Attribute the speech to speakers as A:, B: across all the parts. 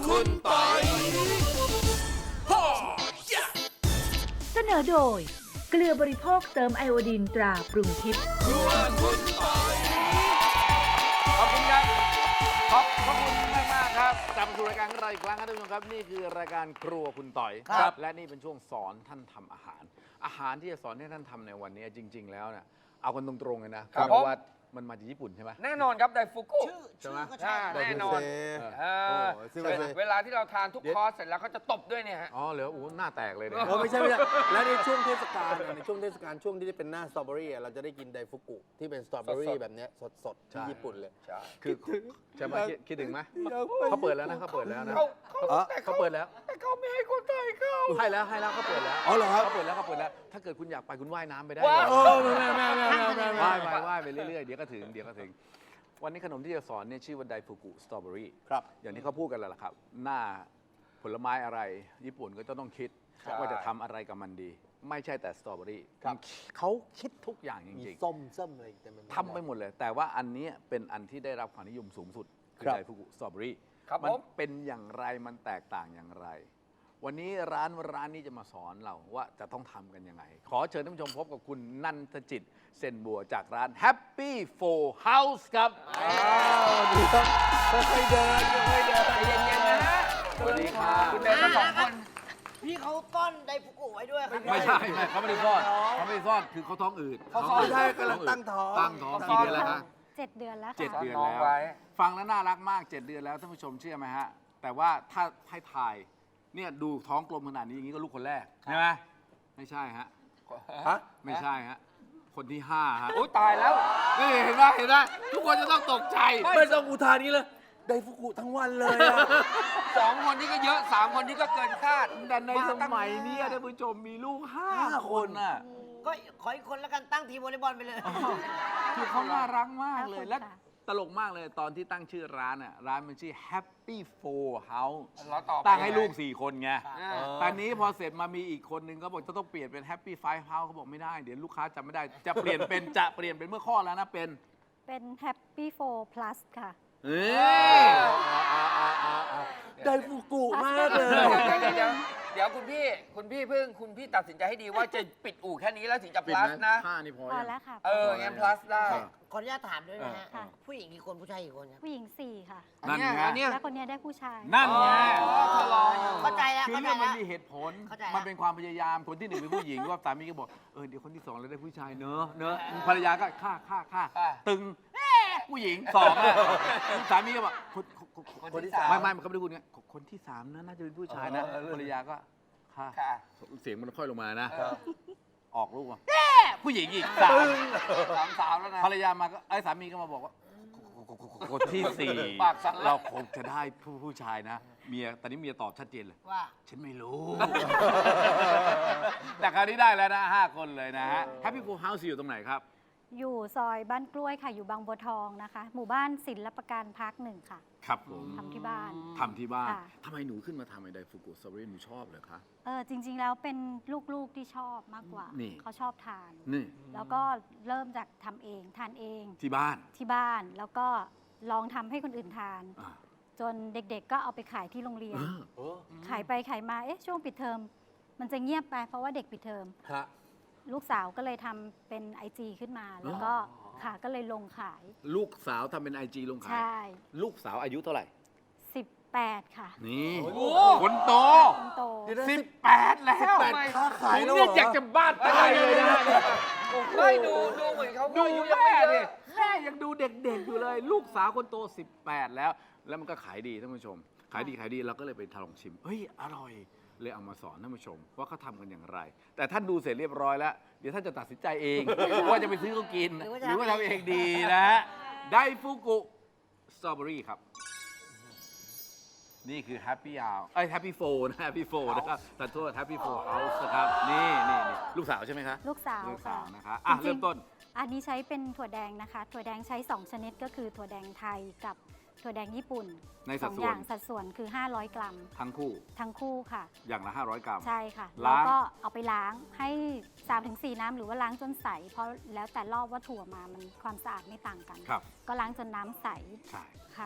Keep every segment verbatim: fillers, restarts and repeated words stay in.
A: คุณปอย
B: เสนอโดยเกลือบริโภคเติมไอโอดีนตราปรุงทิพย์
A: ครัวคุณปอย
C: ขอบคุณครับ ขอบขอบคุณมากมากๆครับกลับมาสู่รายการของเราอีกครั้งครับท่านผู้ชมครับนี่คือรายการครัวคุณต่อย
A: ครับ
C: และนี่เป็นช่วงสอนท่านทำอาหาร อาหารที่จะสอนให้ท่านทำในวันนี้จริง ๆ แล้วเนี่ยเอากันตรงๆเลยนะครับ เพราะว่ามันมาจากญี่ปุ่นใช่ไหม
D: แน่นอนครับไดฟุกุ
E: ชื่อ
C: ใช่
E: ชื่
C: ไหม
E: อก็ใช่
D: แน่นอน
C: เออ
D: เออ
A: โอ้ซึ่ง
D: เวลาเวลาที่เราทานทุก
C: เดี๋ยว
D: คอร์สเสร็จแล้วเขาจะตบด้วยเนี่ยฮะ
C: อ๋อเหรอโอ้โหหน้าแตกเลยเนี่ย
A: เออไม่ใช่ไม่ใช่แล้วในช่วงเทศกาลอะในช่วงเทศกาลช่วงที่ได้เป็นหน้าสตรอเบอรี่อะเราจะได้กินไดฟุกุที่เป็นสตรอเบอ
D: ส
A: รี่
D: ดๆ
A: แบบเนี้ยสดๆที่ญี่ปุ่นเลย
D: ใช่
C: คือใช่ไหมคิดคิดถึงไหมเขาเปิดแล้วนะเขาเปิดแล้วนะ
D: เขาเขา
A: อ๋อ
D: แต่
C: เขาเปิดแล้ว
D: แต่เขาไม่ให้คนไทยเข้า
C: ให้แล้วให้แล้วเขาเปิดแล้ว
A: อ๋อเหรอครับ
C: เขาเปิดแล้วเขาเปิดแล้ว ถ้าเกิดคุณอยากไปคุณว่ายน้ำไปได้
D: ว้าว
C: เลย
A: โอ้ไม่ไม่ไม่ไม่ไม่ไม่
C: ว่าย
A: ไม่
C: ไปว่ายไปเรื่อยๆ เดี๋ยวก็ถึง เดี๋ยวก็ถึง วันนี้ขนมที่จะสอนเนี่ยชื่อว่าไดฟุกุสตรอเบอรี่
A: ครับ
C: อย่างที่เขาพูดกันแล้วล่ะครับ หน้าผลไม้อะไร ญี่ปุ่นก็จะต้องคิด ว่าจะทำอะไรกับมันดี ไม่ใช่แต่สตรอเบอรี่
A: ครับ
C: เขาคิดทุกอย่างจ
A: มี
C: ริง
A: ส้มส้มอะไรเต็มไปหมด
C: ๆทำไปหมดเลย แต่ว่าอันนี้เป็นอันที่ได้รับความนิยมสูงสุด คือ
A: ครับ
C: ไดฟุกุสตรอเบอรี่
D: ครับ
C: มั
D: ผม
C: เป็นอย่างไร มันแตกต่างอย่างไร วันนี้ร้านร้านนี้จะมาสอนเราว่าจะต้องทำกันยังไง ขอเชิญท่านผู้ชมพบกับคุณนันทจิตเซนบัวจากร้าน Happy Four House ครับ
A: อ้าวดีครับค่อยๆเดินค่อยๆเดิน
D: ใจเย็นๆนะฮะ
C: สวัสดีค่ะ
D: คุณเดินมาสองคน
E: พี่เขาก้อนไดฟุกุไว้ด้วยครับ
C: ไม่ใช่ไม่เขาไม่ได้ซ่อนเขาไม่ได้ซ่อนคือเขาท้องอืด
A: เขาซ่อนไม่ใช่กำลังตั้งท้อง
C: ตั้งท้องกี่เดือนแล้วคะ
F: เจ็ดเดือนแล้วค่ะ
C: เจ็ดเดือน
D: น้อง
C: แล้ว
D: ไว้
C: ฟังแล้วน่ารักมากเจ็ดเดือนแล้วท่านผู้ชมเชื่อไหมฮะ แต่ว่าถ้าให้ทายเนี่ยดูท้องกลมขนาดนี้อย่างนี้ก็ลูกคนแรกใช่ไหมไม่ใช่ฮะ
A: ฮะ
C: ไม่ใช่ฮะคนที่ห้าฮะ
D: โอ้ยตายแล้ว
C: นี่เห็นไหมเห็นไหมทุกคนจะต้องตกใจ
A: ไม่ต้องอุทานนี้เลยไดฟุกุทั้งวันเลยอะ
D: สองคนนี้ก็เยอะสามคนนี้ก็เกินคาด
C: แต่ในส
D: ตั้ง
C: มัยเนี้ท่านผู้ชมมีลูกห้า
A: ห้า
C: ค
A: คน น
C: น่ะ
E: ก็ขออีกคนแล้วกันตั้งทีมวอลเลย์บอลไปเลย
C: คือเขาน่ารักมากเลย
F: ขอบคุณ
C: และ
F: ค่ะ
C: ตลกมากเลยตอนที่ตั้งชื่อร้านอ่ะร้านมันชื่อ Happy Four House
D: แล้วต่อไป
C: ตั้งให้ลูกสี่คนไง
D: อ่า
C: ตอนนี้พอเสร็จมามีอีกคนนึงก็บอกจะต้องเปลี่ยนเป็น Happy Five House เขาบอกไม่ได้เดี๋ยวลูกค้าจำไม่ได้ จะเปลี่ยนเป็นจะเปลี่ยนเป็นเมื่อข้อแล้วนะเป็น
F: เป็น Happy Four Plus ค่ะ
C: เอ้ย
A: ไดฟุกุมากเลย
D: เดี๋ยวเดี๋ยวเดี๋ยวคุณพี่คุณพี่เพิ่งคุณพี่ตัดสินใจให้ดีว่าจะปิดอู่แค่นี้แล้วถึงจะ
C: ปิด
D: plus นะ
C: ห้านี่พอ
F: พอ
C: ยัง
F: แล้วค่ะ
D: เอองั้น plus ได้
E: ขออนุญาตถามด้วยนะฮะ
F: ค่ะ
E: ผู้หญิงกี่คนผู้ชายกี่คนครับ
F: ผู้หญิงสี่ค่ะ
C: นั่นไง
D: อันเนี้ย
F: แล้วคนเนี้ยได้ผู้ชาย
C: นั่นไง
D: อ๋อทดลองอยู่
E: เข้าใจแล้ว
C: คือ
E: เข้าใจ
C: เรื่องมั
E: แล้
C: น
E: ว
C: มีเหตุผล
E: เข้าใจแล้ว
C: มันเป็นความพยายาม คนที่หนึ่งเป็นผู้หญิง ว่าสามีก็บอก เออ เดี๋ยวคนที่สองเราได้ผู้ชายเนอะเนอะภรรยาก็ฆ่าฆ่าฆ่า
D: ค่ะ
C: ตึงผู้หญิงสองอะสามีก็บอกคนคนคน
D: คนที่สาม
C: ไม่ไม่มันก็ไม่ได้พูดเงี้ยคนที่สามนะน่าจะเป็นผู้ชายนะ
D: เออเออ
C: ภรรยาก็ฆ่า
D: ค่ะ
C: เสียงมันค่อยลงมานะ
D: เออ
C: ออกลูกมาผู้หญิงอีกสาม
D: สามสาวแล้วนะ
C: ภรรยามาก็ไอ้สามีก็มาบอกว่าคนที่สี่
D: ปากสั่นแล้ว
C: เราคงจะได้ผู้ผู้ชายนะ เมียตอนนี้เมียตอบชัดเจนเลย
E: ว่า
C: ฉันไม่รู้ แต่คราวนี้ได้แล้วนะห้าคนเลยนะฮะ Happy Four House อยู่ตรงไหนครับ
F: อยู่ซอยบ้านกล้วยค่ะ อยู่บางบัวทองนะคะ หมู่บ้านศิลปการพักหนึ่งค่ะ
C: ครับผม
F: ทำที่บ้าน
C: ทำที่บ้าน
F: ค่ะ
C: ทำไมหนูขึ้นมาทำไอ้ไดฟุกุสตรอเบอรี่หนูชอบเหรอคะ
F: เออจริง ๆ แล้วเป็นลูกๆที่ชอบมากกว่า
C: นี่
F: เขาชอบทาน
C: นี่
F: แล้วก็เริ่มจากทำเองทานเอง
C: ที่บ้าน
F: ที่บ้าน แล้วก็ลองทำให้คนอื่นทาน
C: อ่า
F: จนเด็กๆ ก็เอาไปขายที่โรงเรียน
C: เออ
F: ขายไปขายมา เอ๊ะ ช่วงปิดเทอม มันจะเงียบไป เพราะว่าเด็กปิดเทอม
A: ฮะ
F: ลูกสาวก็เลยทำเป็น ไอ จี ขึ้นมา แล้วก็ค่ะ ก็เลยลงขาย
C: ลูกสาวทำเป็นไอจีลงขา
F: ใช่
C: ย ลูกสาวอายุเท่าไหร่
F: สิบแปดค่ะ
C: นี่
A: โอ้โห
C: คนโต
F: คนโต
A: เดี๋ยวนะ
C: สิบแปดแล้ว
A: แปดค้าขาย
C: ผม
A: แล้ว
C: เนี่ย
A: เหรอ
C: อยากจะบ้านตายเลยนะ
D: ไม่ดูดูเหมือนเขา
C: ดู
D: อายุยัง
C: แม่
D: ไม่เย
C: ดิ
D: อะ
C: แม่ยังดูเด็กๆอยู่เลย ลูกสาวคนโตสิบแปดแล้ว แล้วมันก็ขายดีท่านผู้ชม ขายดีขายดีเราก็เลยไปทดลองชิมเฮ้ยอร่อย เลยเอามาสอนท่านผู้ชม ว่าเขาทำกันอย่างไร แต่ท่านดูเสร็จเรียบร้อยแล้ว เดี๋ยวท่านจะตัดสินใจเอง ว่าจะไปซื้อเขากิน
E: หรือว่า
C: ห
E: จะ
C: รือว่าทำเองดีนะฮะไดฟุกุสตรอเบอรี่ครับ นี่คือ Happy Hour เอ้ย Happy Four นะ Happy Four นะครับตัดโทษ Happy Four House นะครับ นี่นี่นี่ลูกสาวใช่ไหมคะ
F: ลูกสาว
C: ลูกสาว
F: ค่ะ
C: นะคะอ่ะ
F: จริงๆ
C: เริ่มต้น
F: อันนี้ใช้เป็นถั่วแดงนะคะ ถั่วแดงใช้ สอง ชนิดก็คือถั่วแดงไทยกับถั่วแดงญี่ปุ่น
C: ในสัด
F: สอง
C: ส่วน
F: อย่างสัดส่วนคือ ห้าร้อย กรัม
C: ทั้งคู่
F: ทั้งคู่ค่ะ
C: อย่างละห้าร้อยกรัม
F: ใช่ค่ะ
C: ล้าง
F: แล้วก็เอาไปล้างให้ สามถึงสี่ น้ำหรือว่าล้างจนใส เพราะแล้วแต่รอบว่าถั่วมามันความสะอาดไม่ต่างกัน
C: ครับ
F: ก็ล้างจนน้ำใส
C: ใช่
F: ค่ะ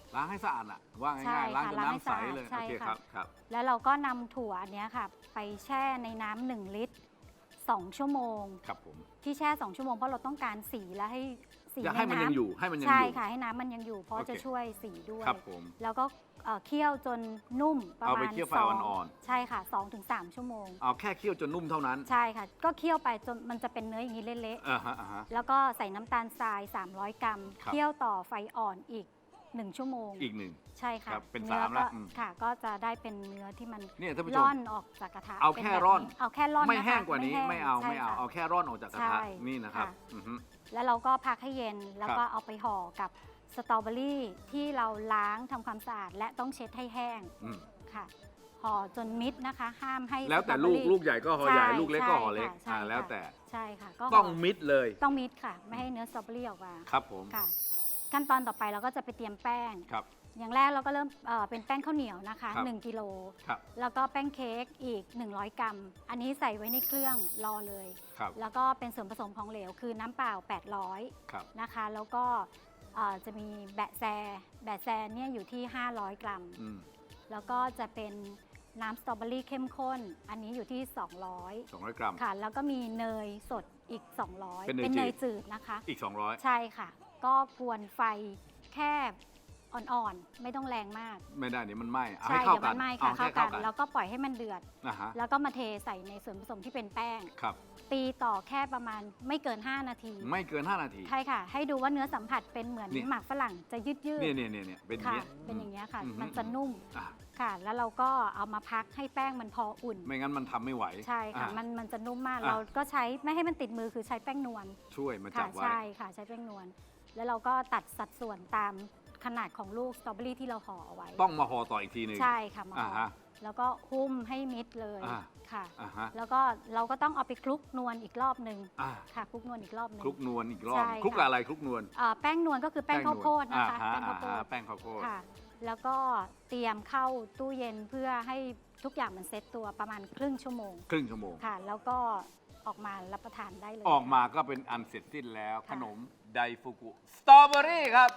C: ล้างให้สะอาดอะว่า
F: ใช่
C: ง่ายๆล้างจน
F: ค่ะล้างให้
C: น้ำใส
F: สะอาด
C: เลย
F: ใช่
C: โอเค
F: ค่ะ
C: ครับครับ
F: แล้วเราก็นำถั่วอันเนี้ยค่ะ ไปแช่ในน้ำหนึ่งลิตรสองชั่วโมง
C: ครับผม
F: ที่แช่สองชั่วโมงเพราะเราต้องการสีและให้สี
C: อยากให้มัน
F: ใำ
C: ยังอยู่ให้มันยัง
F: ใช่
C: อยู่
F: ค่ะให้น้ำมันยังอยู่เพราะ
C: โอเค
F: จะช่วยสีด้วย
C: ครับผม
F: แล้วก็เอ่อเคี่ยวจนนุ่มประ
C: เอา
F: มา
C: ไป
F: ณ
C: เคี่ยวไฟ
F: สง
C: อ่อน
F: ใช่ค่ะสองถึงสามชั่วโมง
C: เอาแค่เคี่ยวจนนุ่มเท่านั้น
F: ใช่ค่ะ ก็เคี่ยวไปจนมันจะเป็นเนื้ออย่างนี้เละ
C: อ่าฮะอ่าฮะ
F: ๆแล้วก็ใส่น้ำตาลทราย สามร้อย กรัม
C: ครับ
F: เคี่ยวต่อไฟอ่อนอีกหนึ่งชั่วโมง
C: อีกหนึ่ง
F: ใช่ค่ะ
C: ครับเป็น
F: นื้อ
C: สามละ
F: ก็
C: อืม
F: ค่ะ ก็จะได้เป็นเนื้อที่มัน
C: เนี่ยท่านผู้ชม
F: ร่อนออกจากกระทะ
C: เอา
F: ป็น
C: แค่
F: บบ
C: ร่อน
F: เอาแค่ร่อน
C: ไม่
F: นะคะ
C: แห้งกว่านี้
F: แห้ง
C: ไม่เอา
F: ใช่
C: ไม่เอา
F: ค่ะ
C: เอาแค่ร่อนออกจากกระทะ
F: ใช่
C: นี่นะครับ
F: ค่ะ
C: อือฮึ
F: แล้วเราก็พักให้เย็นแล้ว
C: ครับ
F: ก็เอาไปห่อกับสตรอเบอรี่ที่เราล้างทำความสะอาดและต้องเช็ดให้แห้ง
C: อืม
F: ค่ะห่อจนมิดนะคะ ห้ามให้
C: แล้วแต่
F: สตร
C: ลู
F: อเบอก รี่
C: ลูกใหญ่ก็ห่อใหญ่
F: ใช่
C: ลูกเล็กก็ห่อเล็ก
F: ใช่
C: อ่า
F: ค่ะ
C: แล้วแต่
F: ใช่ค่ะก็
C: ต้อง
F: ห่
C: มิดเลย
F: ต้องมิดค่ะ ไม่ให้เนื้อสตรอเบอรี่ออกมา
C: ครับผม
F: ค่ะ ขั้นตอนต่อไปเราก็จะไปเตรียมแป้ง
C: ครับ
F: อย่างแรกเราก็เริ่มเอ่อเป็นแป้งข้าวเหนียวนะคะ
C: ครับ
F: หนึ่งกิโล
C: ครับ
F: แล้วก็แป้งเค้กอีกหนึ่งร้อยกรัม อันนี้ใส่ไว้ในเครื่องรอเลย
C: ครับ
F: แล้วก็เป็นส่วนผสมของเหลวคือน้ำเปล่า แปดร้อย
C: ครับ
F: นะคะ แล้วก็เอ่อจะมีแบะแซ แบะแซเนี่ยอยู่ที่ ห้าร้อย กรัม
C: อืม
F: แล้วก็จะเป็นน้ำสตรอเบอรี่เข้มข้น อันนี้อยู่ที่ สองร้อย
C: สองร้อยกรัม
F: ค่ะ แล้วก็มีเนยสดอีก สองร้อย
C: เป็นเนย
F: เป็นเนย
C: จืด
F: จืดนะคะ
C: อีกสองร้อย
F: ใช่ค่ะ ก็กวนไฟแค่อ่อนๆ ไม่ต้องแรงมาก
C: ไม่ได้เดี๋ยวมันไหม้เอา
F: ใช่
C: ให้เข้า
F: เดี๋ยว
C: กั
F: มัน นไหม้
C: เอา
F: ค่ะ
C: แค่
F: เข้า
C: เข้า
F: กั
C: กัน น
F: แล้วก็ปล่อยให้มันเดือด
C: นะฮะ
F: แล้วก็มาเทใส่ในส่วนผสมที่เป็นแป้ง
C: ครับ
F: ตีต่อแค่ประมาณไม่เกิน ห้า นาที
C: ไม่เกินห้านาที
F: ใช่ค่ะ ให้ดูว่าเนื้อสัมผัสเป็นเหมือน
C: นี่
F: หมากฝรั่งจะยืดยืด
C: เนี่ยเนี่ยเนี่ยเนี่ยเป็นอย่าง
F: ค่ะ
C: เงี้ย
F: เป็นอย่างเงี้ยค่ะ
C: อืม
F: มันจะนุ่ม
C: อ่ะ
F: ค่ะ แล้วเราก็เอามาพักให้แป้งมันพออุ่น
C: ไม่งั้นมันทำไม่ไหว
F: ใช่ค่ะ
C: อ่
F: มันมันจะนุ่มมาก
C: อ่ะ
F: เราก็ใช้ไม่ให้มันติดมือคือใช้แป้งนวล
C: ช่วยมาจั
F: ค่ะ
C: บไว้
F: ใช่ค่ะใช้แป้งนวลแล้วเราก็ตัดสัดส่วนตามขนาดของลูกสตรอเบอรี่ที่เราห่อเอาไว้
C: ต้องมาห่อต่ออีกทีหนึ่ง
F: ใช่ค่ะมา
C: อ่า
F: ห่อ
C: ฮะ
F: แล้วก็หุ้มให้มิดเลย
C: อ่า
F: ค่ะ
C: อ่าฮะ
F: แล้วก็เราก็ต้องเอาไปคลุกนวลอีกรอบหนึ่ง
C: อ่า
F: ค่ะคลุกนวลอีกรอบหนึ่ง
C: คลุกนวลอีกรอบ
F: ใช่
C: คลุก
F: ค่ะ
C: กับอะไรคลุกนวล
F: เอ่อแป้งนวลก็คือแป้งข้าวโพดนะคะ
C: อ่า
F: แป้ง
C: ฮะ
F: ข้าวโพ
C: อ่า
F: ด
C: ฮะแป้งข้าวโพด
F: ค่ะ แล้วก็เตรียมเข้าตู้เย็นเพื่อให้ทุกอย่างมันเซ็ตตัวประมาณครึ่งชั่วโมง
C: ครึ่งชั่วโมง
F: ค่ะ แล้วก็ออกมารับประทานได้เลย
C: ออกมาก็เป็นอันเสร็จสิ้นแล้ว
F: ค่ะ
C: ขนมไดฟุกุสตรอเบอรี่ครับ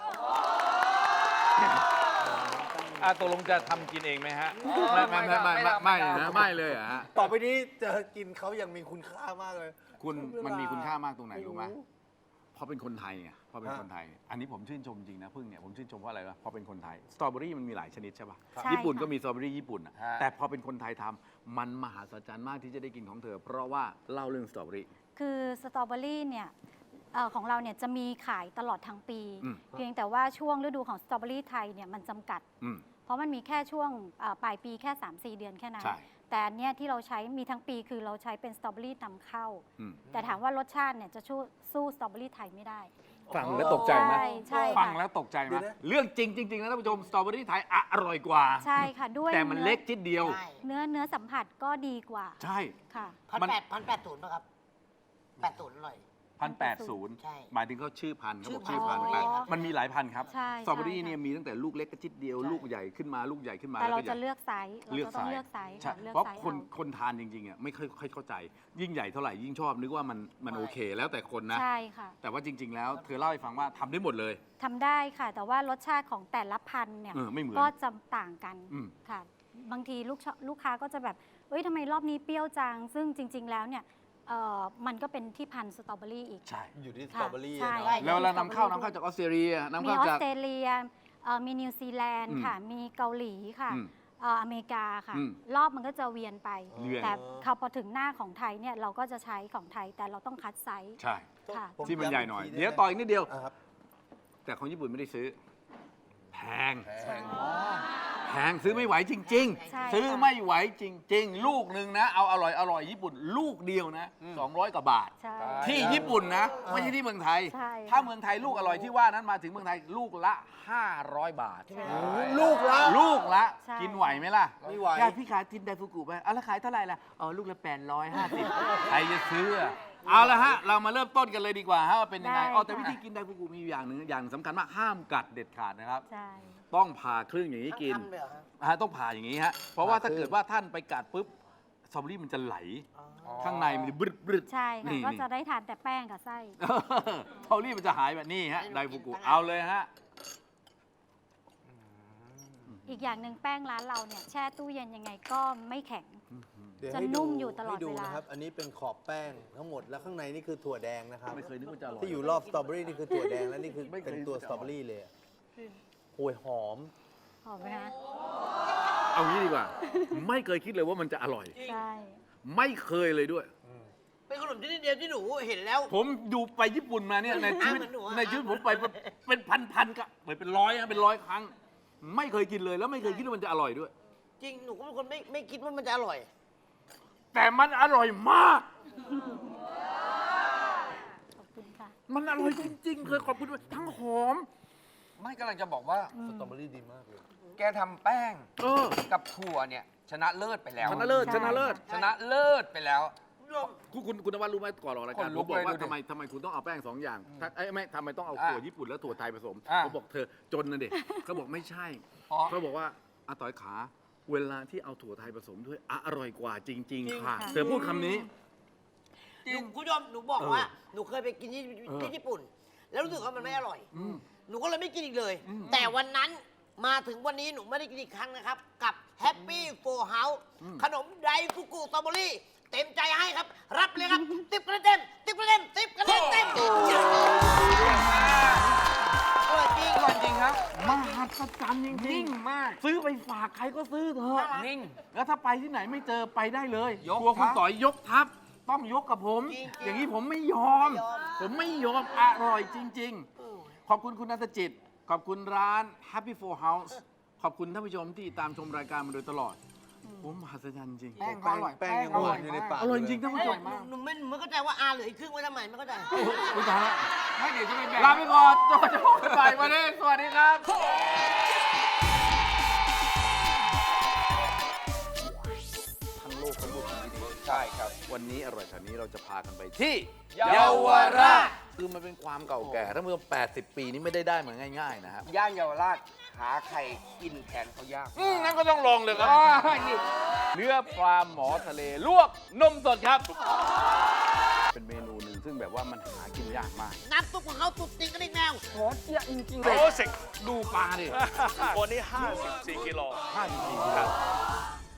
C: อ่ะตกลงจะทำกินเองไหมฮะ ไม่ไม่ไม่ไม่ไม่ไม่นะไม่เลยเหรอฮะ
A: ต่อไปนี้เจอกินเขายังมีคุณค่ามากเลย
C: คุณมันมีคุณค่ามากตรงไหน
A: ไม่รู้
C: รู้ไหมเพราะเป็นคนไทยไงเพราะเป็น
A: ฮะ
C: คนไทย อันนี้ผมชื่นชมจริงนะพึ่งเนี่ยผมชื่นชมเพราะอะไรวะเพราะเป็นคนไทยสตรอเบอรี่มันมีหลายชนิดใช่ป่ะ
F: ใช่
C: ญี่ปุ่น
F: ค่ะ
C: ก็มีสตรอเบอรี่ญี่ปุ่นอะ
D: ฮะ
C: แต่พอเป็นคนไทยทำมันมหัศจรรย์มากที่จะได้กินของเธอ เพราะว่าเล่าเรื่องสตรอเบอรี่
F: คือสตรอเบอรี่เนี่ยเอ่อของเราเนี่ยจะมีขายตลอดทั้งปี
C: อืม
F: เพียงแต่ว่าช่วงฤดูของสตรอเบอรี่ไทยเนี่ยมันจำกัด
C: อืม
F: เพราะมันมีแค่ช่วงเอ่อปลายปีแค่ สามสี่ เดือนแค่นั้น
C: ใช่
F: แต่อันเนี้ยที่เราใช้มีทั้งปีคือเราใช้เป็นสตรอเบอรี่นำเข้า
C: อืม
F: แต่ถามว่ารสชาติเนี่ยจะสู้สู้สตรอเบอรี่ไทยไม่ได้
C: ฟังแล้วตกใจไหม
F: ใช่ใช่ค่ะ
C: ฟังแล้วตกใจไหม
A: เดี๋ยวนะ
C: เรื่องจริงจริงๆนะท่านผู้ชมสตรอเบอรี่ไทยอร่อยกว่า
F: ใช่ค่ะด้วย
C: แต่มันเล็กจิดเดียว
E: ใช่
F: เนื้อเนื้อสัมผัสก็ดีกว่า
C: ใช่
F: ค่ะ
E: พัน
C: มัน
E: แปดพันแปดศูนย์ป่ะครับแปดศูนย์อร่อย
C: พันแปดศูนย์
E: ใช่
C: หมายถึงเขาชื่อพันธุ์เขาบอก
E: ชื่
C: ชื่อ
E: อพั
C: พัน
E: นธุ์
C: ธุ์แปด
E: อ๋อ
C: มันมีหลายพันธุ์ครับ
F: ใช่
C: สตรอเบอรี่
F: ใช่
C: เนี่ยมีตั้งแต่ลูกเล็กกระจิดเดียว
E: ใช่
C: ลูกใหญ่ขึ้นมาลูกใหญ่ขึ้นมา
F: แต่เรา
C: ก็ใหญ่
F: จะเลือกไซส์เรา
C: เลือก
F: จะต้อง
C: ไซส์
F: เลือกไซส์
C: ใช่
F: ค่ะเลือก
C: เพราะ
F: ไซส์
C: คน
F: เอา
C: คนทานจริงๆอ่ะไม่ค่อยค่อยเข้าใจ ยิ่งใหญ่เท่าไหร่ยิ่งชอบนึกว่ามันมันโอเค แล้วแต่คนนะ
F: ใช่ค่ะ
C: แต่ว่าจริง ๆ แล้วเธอเล่าให้ฟังว่าทำได้หมดเลย
F: ทำได้ค่ะ แต่ว่ารสชาติของแต่ละพันธุ์เนี่ย
C: เออไม่เหมือน
F: ก็จะต่างกัน
C: อืม
F: ค่ะ บางทีลูกชลูกค้าก็จะแบบเอ้ยทำไมรอบนี้เปรี้ยวจัง ซึ่งจริง ๆ แล้วเนี่ยเอ่อมันก็เป็นที่พันธุ์สตรอเบอรี่อีก
C: ใช่
A: อยู่ที่ส
F: ค่ะ
A: ตรอเบอรี่
F: ใช่
A: อะเนาะ
C: แล้วเรานำเข้านำเข้าจากออสเตรเลียนำ
F: มี
C: เข้า
F: ออ
C: จา
F: ส
C: ก
F: เตรเลียเอ่อมีนิวซีแลนด์
C: อืม
F: ค่ะ มีเกาหลีค่ะ
C: อืม
F: เอ่ออเมริกาค่ะ
C: อืม
F: รอบมันก็จะเวียนไป
C: เวียน
F: แต่พอถึงหน้าของไทยเนี่ยเราก็จะใช้ของไทยแต่เราต้องคัดไซส์
C: ใช่
F: ค่ะ
A: ผม
C: ที่มันใหญ่หน่อย
A: ำกที
C: เดี๋ยว
A: ไไม
C: ต่ออีกนิดเดียว
A: อ่ะครับ
C: แต่ของญี่ปุ่นไม่ได้ซื้อ แพง
A: แพง
C: แพงซื้อไม่ไหวจริง
F: ใช่
C: ๆ ซื้อ
F: ค่ะ
C: ไม่ไหวจริง ๆ ลูกหนึ่งนะ เอาอร่อยอร่อยญี่ปุ่น ลูกเดียวนะสองร้อยกว่าบาท
F: ใช่
C: ที่ญี่ปุ่นนะ ไม่ใช่ที่เมืองไทย
F: ใช่
C: ถ้าเมืองไทยลูกอร่อยที่ว่านั้นมาถึงเมืองไทยลูกละ ห้าร้อย บาท
F: ใช่
A: ลูกละ
C: ลูกละ
F: ใช่
C: กินไหวไหมล่ะ
A: ไม่ไหว
C: ญาติพี่ขายทินไดฟุกุไปเอาแล้วขายเท่าไหร่ล่ะอ๋อลูกละแปดร้อยห้าสิบใครจะซื้ออะเอาละฮะ เรามาเริ่มต้นกันเลยดีกว่าฮะว่าเป็นยังไง
F: ได้
C: อ๋อแต่
F: ค่ะ
C: วิธีกินไดฟุกุมีอยู่อย่างหนึ่งอย่างสำคัญมากห้ามกัดเด็ดขาดนะครับ
F: ใช่
C: ต้องผ่าครึ่งอย่างนี้กิน
E: ทั้งคำเลยเหรอฮะ
C: ฮะต้องผ่าอย่างนี้ฮะ เพราะว่าถ้า
A: ผ่าครึ่ง
C: เกิดว่าท่านไปกัดปุ๊บสตรอเบอรี่มันจะไหล ข้างในมันจะบรึดบรึด
F: ใช่ค่ะ
C: นี่
F: ก็
C: นี่
F: จะได้ทานแต่แป้งกับไส้
C: สตรอเบอรี่มันจะหายแบบนี้ฮะไดฟุกุเอาเลยฮะ
F: อีกอย่างหนึ่งแป้งร้านเราเนี่ยแช่ตู้เย็นยังไงก็ไม่แข็ง
A: เดี๋ยว
F: จะ
A: ให้
F: นุ่มอยู่ตลอด
A: ให้ดู
F: เวลา
A: นะครับ อันนี้เป็นขอบแป้งทั้งหมดแล้วข้างในนี่คือถั่วแดงนะครับ
C: ไม่เคยนึกว่าจะอร่อย
A: ที่อยู่รอบสตรอเบอรี่นี่คือถั่วแดงและนี่คือ
C: ไม่เคย
A: เป็นตัว
C: นึก
A: ส
C: ว่าจะ
A: ตรอเบอรี่เลยอะโหยหอม
F: หอมไหมคะ
C: เอางี้ดีกว่า ไม่เคยคิดเลยว่ามันจะอร่อย
F: ใช่
C: ไม่เคยเลยด้วย
E: เป็นขนมชนิดเดียวที่หนูเห็นแล้ว
C: ผมดูไปญี่ปุ่นมาเนี่ยในชีวิต
E: อ่ะเหมือนหนูอ่ะ
C: ในชีวิตผมไปเป็นพันๆก็เป็นร้อยนะเป็นร้อยครั้ง ไม่เคยกินเลยแล้วไม่เคยคิดว่ามันจะอร่อยด้วย
E: จริงหนูก็เป็นคนไม่ไม่คิดว่ามันจะอร่อย
C: แต่มันอร่อยมาก
F: ขอบคุณค่ะ
C: มันอร่อยจริงๆ เคยขอบคุณด้วยทั้งหอม
D: ไม่กำลังจะบอกว่า
A: สตรอเบอรี่ดีมากเลย
D: แกทำแป้ง
C: เออ
D: กับถั่วเนี่ยชนะเลิศไปแล้ว
C: ชนะเลิศ
F: ใช่
C: ชนะเลิศ
D: ชนะเลิศไปแล้ว
C: คุณคุณคุณนวัดรู้ไหมก่อนออกรายการ
D: ขน
C: ผ
D: ลุ
C: ม
D: ก
C: บอกว่า
D: เลยดูดิ
C: ทำไมทำไมคุณต้องเอาแป้งสองอย่างถ้าเอ้ยไม่ทำไมต้องเอา
D: อ่ะ
C: ถั่วญี่ปุ่นและถั่วไทยผสม
D: อ่ะ
C: ผมบอกเธอจนนะเด็กเขาบอกไม่ใช่
D: อ๋อ
C: เขาบอกว่าอาต่อยขา เวลาที่เอาถั่วไทยผสมด้วยอร่อยกว่าจริง
E: จริง
C: ๆ ค่ะ
F: ค่ะ
C: เธอพูดคำนี้
E: หนูคุณผู้ชมหนูบอก
C: เออ
E: ว่าหนูเคยไปกินที่
C: เออ
E: ที่ญี่ปุ่น แล้วรู้สึกว่ามันไม่อร่อย
C: อืม
E: หนูก็เลยไม่กินอีกเลย
C: อืม
E: แต่วันนั้นมาถึงวันนี้หนูไม่ได้กินอีกครั้งนะครับ กับ Happy Four House
C: อืม
E: ขนมไดฟุกุสตรอเบอรี่ เต็มใจให้ครับ รับเลยครับติบคะแนนเต็มติบคะแนนเต็มติบคะแนนเต็มอร่อยจริง
D: อร่อยจริงครับ
C: มหัศจรรย์จริง
D: นิ่งมาก
C: ๆซื้อไปฝากใครก็ซื้อเถอะ
D: นิ่ง
C: แล้วถ้าไปที่ไหนไม่เจอไปได้เลย
D: ยก
C: กลัวคุณ
D: ทัพ
C: ต่อยยกทัพต้องยกกับผม
E: จริงๆ
C: อย่างนี้ผมไม่ยอม
E: ไม่ยอม
C: ผมไม่ยอมอร่อยจริง ๆ ขอบคุณคุณนันทจิต ขอบคุณร้าน Happy Four House ขอบคุณท่านผู้ชมที่ตามชมรายการมาโดยตลอด ผมมหัศจรรย์จริง
D: แป้งก็อร่อย
A: แป้งยัง
D: อ
A: ห
D: ร่
A: วา
D: อย
A: นอยู่ใน
D: มาก
A: ปาก
C: อร่อยจริง
A: เล
C: ท่านผู้ชม
E: หนูหนูไม่หนูไม่เข้าใจว่าอาเหลืออีกครึ่งไว้ทำไมไม่เข้าใจ
C: คุณตายละ
D: ไม่เดี๋ยวจะไปแบ่ง
C: ลาไปก่อนโจโจ้บ่ายวันนี้สวัสดีครับ ทั้งโลกทั้งโลกที่ดี
D: ใช่ครับ
C: วันนี้อร่อยแถวนี้เราจะพากันไปที่
D: เยาวราช
C: คือมันเป็นความเก่าแก่ท่านผู้ชมแปดสิบ ปีนี้ไม่ได้ได้มาง่ายๆนะครับ
D: ย่านเยาวราชหาใครกินแทนเขายาก
C: อืมงั้นก็ต้องลองเลยครับ
D: อ๋อนี่
C: เนื้อปลาหมอทะเลลวกนมสดครับ เป็นเมนูหนึ่งซึ่งแบบว่ามันหากินยากมาก
E: น้ำซุปของเขาตุดติงกระดิ่งแมว
C: โอ้เจี๊ยจริงๆ
G: โร
C: เลย
G: สิก
C: ดูปลาดิ
G: วันนี้ห้าสิบสี่กิโล
C: ห้าจริงๆครับ